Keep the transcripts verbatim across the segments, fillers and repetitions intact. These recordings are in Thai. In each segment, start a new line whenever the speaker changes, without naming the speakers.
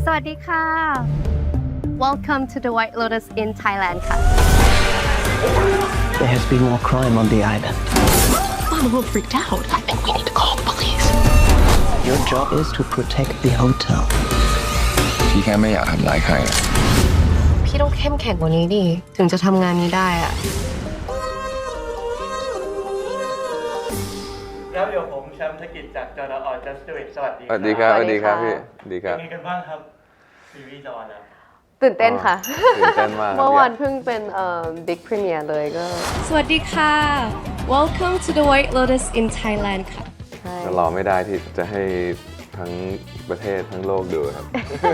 วัสดีค่ะ Welcome to the White Lotus in Thailand ค่ะ
There has been more crime on the island.
I'm a little freaked out. I think we need to call the police.
Your job is to protect the hotel.
พี่แค่ไม่อยากทำร้ายใคร
พี่ต้องเข้มแข็งกว่านี้ดิถึงจะทำงานนี้ได้อะ
ครับเดี๋ยวผมแชมป์ธกิจจากจอร์ออจัสติวิทสวัสดี
สวัสดีครับสวัสดีครับพี่สวัสดีครับ
เป็นไงกันบ้างครับซีรีส์จอแล้ว
ตื่นเต้นค่ะ
ตื่นเต้นมาก
เมื่อวานเพิ่งเป็นเอ่อ Big Premiere เลยก็
สวัสดีค่ะ Welcome to the White Lotus in Thailand ค่ะ
ก็รอไม่ได้ที่จะให้ทั้งประเทศทั้งโลกดูครับ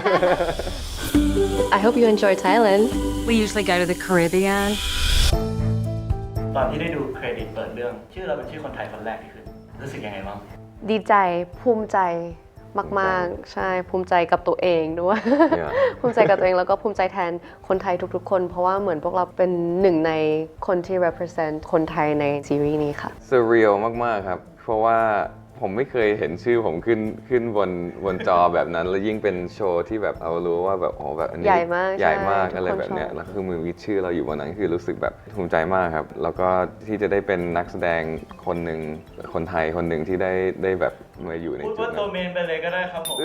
I hope you enjoy Thailand
We usually go to the Caribbean.
ตอนที่ได้ดูเครดิตเปิดเรื่องชื่อเราเป็นชื่อคนไทยคนแรกที่ขึ้นรู้สึกยังไงบ้าง
ดีใจภูมิใจมากๆใช่ภูมิใจกับตัวเองด้วย
Yeah.
ภูมิใจกับตัวเองแล้วก็ภูมิใจแทนคนไทยทุกๆคน เพราะว่าเหมือนพวกเราเป็นหนึ่งในคนที่ represent คนไทยในซีรีส์นี้ค่ะ
surreal มากๆครับ เพราะว่าผมไม่เคยเห็นชื่อผมขึ้นขึ้นบนบนจอแบบนั้น แล้วยิ่งเป็นโชว์ที่แบบเรารู้ว่าแบบโอ้แบบอันนี้
ใหญ่มาก
ใหญ่มาก
ใช่
อะไรแบบเนี้ย
ทุกคนชอบ
แล้วคือมือมีชื่อเราอยู่บนนั้นคือรู้สึกแบบภูมิใจมากครับ แล้วก็ที่จะได้เป็นนักแสดงคนหนึ่งคนไทยคนหนึ่งที่ได้ได้แบบมาอยู่ใน
พูด
จุด
ว่า
นั้
ตัวน เมนไปเลยก็ได้ครับผม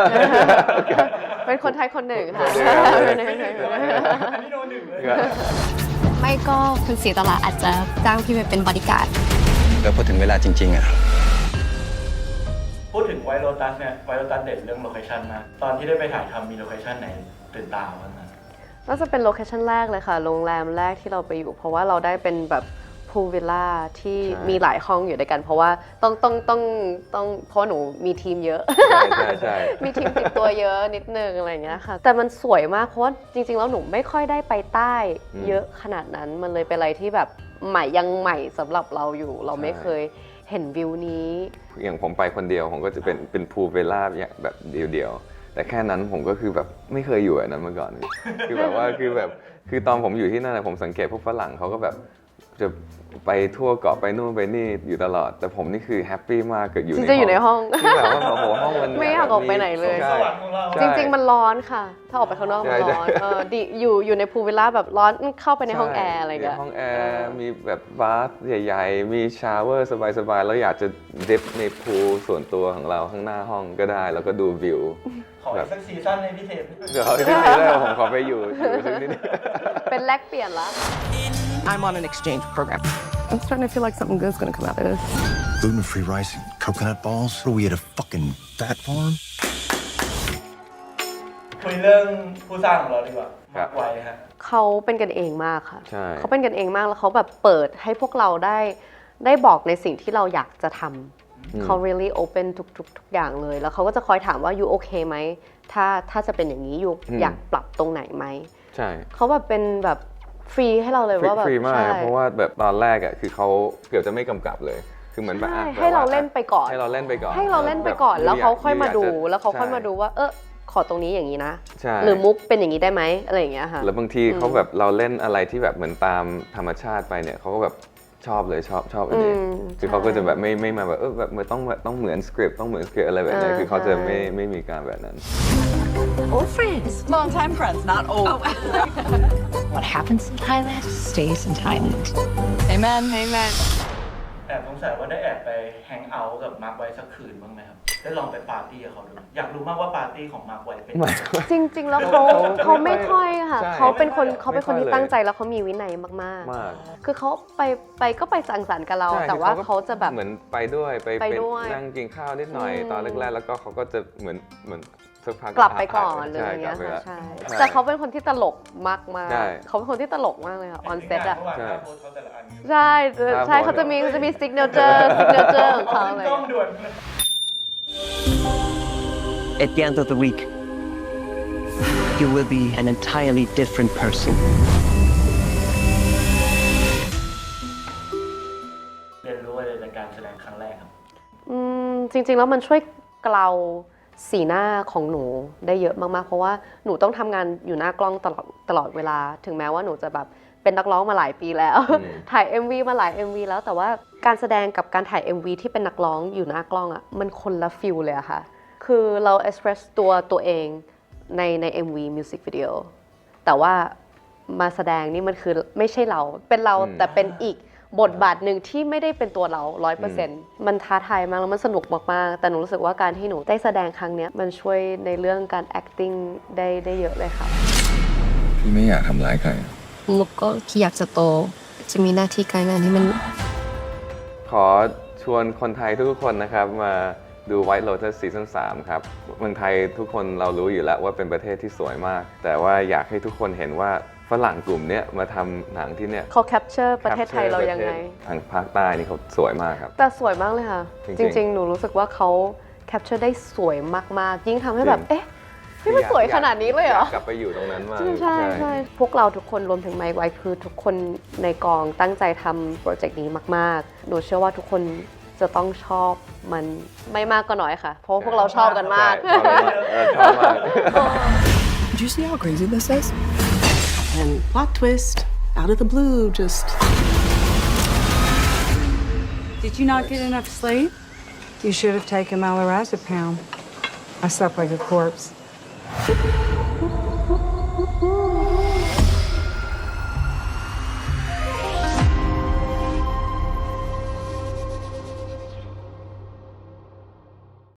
เป็นคนไทยคนหนึ่งค่ะ
อันนี้โดนหนึ่งเลย
ไม่ก็คุณศรีตลาอาจจะจ้างพี่ไปเป็นบอดี้การ์ด
แล้วพอถึงเวลาจริงๆอ่ะ
พูดถึงไวโรตัสเนี่ยไวโรตัสเด่นเรื่องโลเคชั่นมากตอนที่ได้ไปถ่ายทำมีโลเคชั่นไหนตื่นตาบ้างไหม
น่าจะเป็นโลเคชั่นแรกเลยค่ะ โรงแรมแรกที่เราไปอยู่ เพราะว่าเราได้เป็นแบบพูลวิลล่าที่
ใช่
มีหลายห้องอยู่ด้วยกัน เพราะว่าต้องต้องต้องต้องเพราะหนูมีทีมเยอะ
ใช่ใช่ใช่
มีทีมติดตัวเยอะนิดนึงอะไรอย่างเงี้ยค่ะ แต่มันสวยมากเพราะว่าจริงๆแล้วหนูไม่ค่อยได้ไปใต้เยอะขนาดนั้น มันเลยเป็นอะไรที่แบบใหม่ยังใหม่สำหรับเราอยู่ เราไม่เคยเห็นวิวนี้
อย่างผมไปคนเดียวผมก็จะเป็นเป็นพูลเวลล่าแบบเดียวๆแต่แค่นั้นผมก็คือแบบไม่เคยอยู่อันนั้นมาก่อน คือแบบว่าคือแบบคือตอนผมอยู่ที่นั่นผมสังเกตพวกฝรั่งเขาก็แบบจะไปทั่วเกาะไปนู่นไปนี่อยู่ตลอด แต่ผมนี่คือแฮปปี้มากเกิดอยู่
จริงๆอยู่ในห้อง
ที่แบบว่าโอ้โหห้องมัน
ไม่อยากออกไปไหนเลย
ใช่
สวรรค์ของเรา
จริงๆมันร้อนค่ะ ถ้าออกไปข้างนอกมันร้อน
ใช่
เออดิอยู่อยู่ในพูลวิลล่าแบบร้อนเข้าไปในห้องแอร์อะไรอย่างเงี้ย
มีห้องแอร์มีแบบบาร์ใหญ่ๆ มีชาวเวอร์สบายๆ แล้วอยากจะดิฟในพูลส่วนตัวของเราข้างหน้าห้องก็ได้ แล้วก็ดูวิว
ขออีกสักซีซั่นในพิเศษ
เดี๋ยวที่นี่ได้ผมขอไปอยู่อยู่สักนิดนึง
เป็นแลกเปลี่ยนละ
I'm on an exchange program.
I'm starting to feel like something good's gonna come out of this
Gluten-free rice and coconut balls? What are we at a fucking fat farm?
คุยเรื่องผู้สร้างของเราดีกว่า
ครั
มา
บ
กไวฮะ
เขาเป็นกันเองมากค่ะ
ใช่
เขาเป็นกันเองมากแล้วเขาแบบเปิดให้พวกเราได้ได้บอกในสิ่งที่เราอยากจะทำเขา really open ทุกทุกทุกอย่างเลย แล้วเขาก็จะคอยถามว่า you okay ไหมถ้าถ้าจะเป็นอย่างนี้ you อยากปรับตรงไหนไหม
ใช่
เขาแบบเป็นแบบฟรีให้เราเลย
ฟรี
ว่าแบบ
ฟรีมาก
ใช่
ครับเพราะว่าแบบตอนแรกอ่ะคือเขาเกือบจะไม่กำกับเลย คือเหมือนแบบ
ใช่
อ่ะ
ให้เราเล่นไปก่อน
ให้เราเล่นไปก่อน
ให้เราเล่นไปก่อน
บบ
แล้วเขาค่อยมาดู
จะ
แล้วเขาค่อยมา
ใช่
ดูว่าเออขอตรงนี้อย่างนี้นะ
ใช่
หรือมุกเป็นอย่างนี้ได้ไหมอะไรอย่างเงี้ยค่ะ
แล้วบางทีเขาแบบเราเล่นอะไรที่แบบเหมือนตามธรรมชาติไปเนี่ยเขาก็แบบชอบเลยชอบชอบอันนี้
อืม
คือเขาก็จะแบบไม่ไม่มาแบบเออแบบมันต้องต้องเหมือนสคริปต์ต้องเหมือนสคริปต์อะไรแบบนี้
เออ
คือเขาจะ
ใช่
ไม่ไม่มีการแบบนั้น
Old friends.
Long time friends, not old.
What happens in Thailand stays in Thailand.
Amen. Amen.
แอบสงสัยว่าได้แอบไปแฮงเอาท์กับมาร์คไว้สักคืนบ้างไหมครับ ได้ลองไปปาร์ตี้กับเขาดู อยากรู้มากว่าปาร์ตี้ของมาร์คไว้เป็นยังไง
จริง ๆ แล้วเขาเขาไม่ค่อยค่ะ
ใช่
เขาเป็นคน
ไม่ค่อย
เขาเป็นคน
ไม่ค่อย
ที่
เลย
ตั้งใจแล้วเขามีวินัยมาก
มาก
ๆ คือเขาไปไปก็ไปสังสรรค์กับเรา
ใช่
แต่ว่า
คือ
เขาจะแบบ
เหมือนไปด้วยไป
ไปด้วย
นั่งกินข้าวนิดหน่อย
อืม
ตอนแรกๆแล้วก็เขาก็จะเหมือนเหมือนสักพัก
กลับไปก่อนหรือ
ใช่
อะไรเงี้ย
กลับไป
ค่ะ
ละ
ใช่
ใช่
แต่เขาเป็นคนที่ตลกมาก
ใช่
ๆเขาเป็นคนที่ตลกมากเลยค่ะออนเซ็ตอะ
เมื่อวานหน้าโพสต์เขาแต่ละอัน
ใช่ใช่
ครับผม
เขาจะมีเขาจะมีซิกเนเจอร์ซิกเนเจอร์ของเขา
ขึ้
เล
น
ย
กล้องด่วน
At the end of the week, you will be an entirely different person.
เรียนรู้อะไรจากการแสดงครั้งแรกครับ
อืมจริงๆแล้วมันช่วยเกลาสีหน้าของหนูได้เยอะมากๆ เพราะว่าหนูต้องทำงานอยู่หน้ากล้องตลอดตลอดเวลา ถึงแม้ว่าหนูจะแบบเป็นนักร้องมาหลายปีแล้ว
อืม
ถ่าย เอ็ม วี มาหลาย เอ็ม วี แล้วแต่ว่าการแสดงกับการถ่าย เอ็ม วี ที่เป็นนักร้องอยู่หน้ากล้องอะมันคนละฟิลเลยอะค่ะ คือเรา express ตัวตัวเองในใน เอ็ม วี Music Video แต่ว่ามาแสดงนี่มันคือไม่ใช่เราเป็นเรา
อืม
แต่เป็นอีกบทบาทหนึ่งที่ไม่ได้เป็นตัวเรา ร้อยเปอร์เซ็นต์ มันท้าทายมากแล้วมันสนุกมากๆแต่หนูรู้สึกว่าการที่หนูได้แสดงครั้งเนี้ยมันช่วยในเรื่องการ acting ได้ได้เยอะเลยค่ะ
พี่ไม่อยากทำร้ายใคร
มุกก็อยากจะโต จะมีหน้าที่การงานที่มัน
ขอชวนคนไทยทุกๆคนนะครับมาดู White Lotus ซีซั่นสามครับเมืองไทยทุกคนเรารู้อยู่แล้วว่าเป็นประเทศที่สวยมาก แต่ว่าอยากให้ทุกคนเห็นว่าฝรั่งกลุ่มเนี้ยมาทำหนังที่เนี่ย
เขา capture ประเทศไทยเรายังไง
ทางภาคใต้นี่เขาสวยมากครับ
แต่สวยมากเลยค่ะ
จ
จ
ริงๆ
ริง ๆ หนูรู้สึกว่าเขา capture ได้สวยมากๆ ยิ่งทำให้แบบ
จริง
เอ๊ะนี่มันสวยขนาดนี้เลยเหรอ
ากกลับไปอยู่ตรงนั้นมาก
ใช่ใช่ใช่พวกเราทุกคนรวมถึงไมค์ไว้คือทุกคนในกองตั้งใจทำโปรเจกต์นี้มากๆ หนูเชื่อว่าทุกคนจะต้องชอบมันไม่มากก็น้อยค่ะ เพราะว่าพวกเราชอบกันมาก
ใช่ชอบมากเออชอบมาก
Did you see how crazy this is? And plot twist, out of the blue, just.
Did you not get enough sleep? You should have taken my lorazepam. I slept like a corpse.